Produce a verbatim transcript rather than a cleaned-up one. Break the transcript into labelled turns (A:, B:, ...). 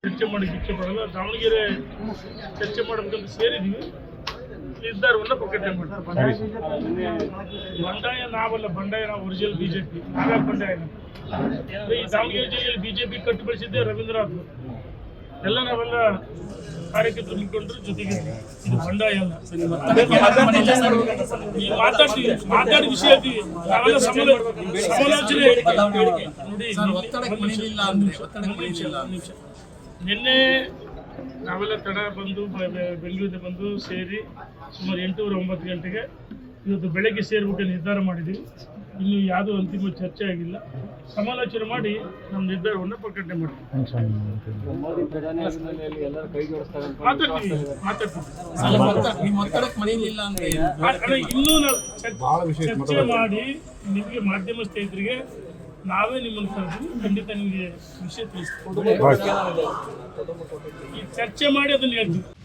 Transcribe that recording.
A: ಚರ್ಚೆ ಮಾಡಕ್ಕೆ ಇಚ್ಛೆ ಪಡಲ್ಲ. ದಾವಣಗೆರೆ ಚರ್ಚೆ ಮಾಡಬೇಕಂತ ಸೇರಿದ್ವಿ, ನಿರ್ಧಾರವನ್ನು ಪ್ರಕಟಣೆ ಮಾಡ್ತಾರೆ. ಬಂಡಾಯ ನಾವಲ್ಲ, ಬಂಡಾಯ ನಾವು ಒರಿಜಿನಲ್ ಬಿಜೆಪಿ, ನಾವೇ ಬಂಡಾಯ. ಈ ದಾವಣಗೆರೆ ಜಿಲ್ಲೆಯಲ್ಲಿ ಬಿಜೆಪಿ ಕಟ್ಟು ಬೆಳೆಸಿದ್ದೆ ರವೀಂದ್ರನಾಥ್, ಎಲ್ಲ ನಾವೆಲ್ಲ ಕಾರ್ಯಕರ್ತರು ನಿಂತ್ಕೊಂಡ್ರು ಜೊತೆಗೆ. ಇದು ಬಂಡಾಯ ಅಲ್ಲ. ಈ ಮಾತಾಡ್ತೀವಿ, ಮಾತಾಡಿ ವಿಷಯ ಹೇಳ್ತೀವಿ, ನಾವೆಲ್ಲ ಸಮಾಲೋಚನೆ ನೋಡಿ. ನಿನ್ನೆ ನಾವೆಲ್ಲ ತಡ ಬಂದು ಬೆಂಗಳೂರಿಗೆ ಬಂದು ಸೇರಿ ಸುಮಾರು ಎಂಟೂವರೆ ಒಂಬತ್ತು ಗಂಟೆಗೆ ಇವತ್ತು ಬೆಳಗ್ಗೆ ಸೇರ್ಬೇಕು ನಿರ್ಧಾರ ಮಾಡಿದ್ವಿ. ಇನ್ನು ಯಾವುದೂ ಅಂತಿಮ ಚರ್ಚೆ ಆಗಿಲ್ಲ. ಸಮಾಲೋಚನೆ ಮಾಡಿ ನಮ್ಮ ನಿರ್ಧಾರವನ್ನು ಪ್ರಕಟಣೆ ಮಾಡ್ತೀವಿ. ಮಾತಾಡ್ತೀವಿ ಮಾತಾಡ್ತೀವಿ ಇನ್ನೂ ನಾವು ಚರ್ಚೆ ಮಾಡಿ ನಿಮಗೆ ಮಾಧ್ಯಮ ಸ್ನೇಹಿತರಿಗೆ ನಾವೇ ನಿಮ್ಮನ್ನು ಕರೆದು ಖಂಡಿತ ನಿಮಗೆ ವಿಷಯ ತಿಳಿಸ್ತೀವಿ. ಈ ಚರ್ಚೆ ಮಾಡಿ ಅದನ್ನು ಹೇಳ್ತೀವಿ.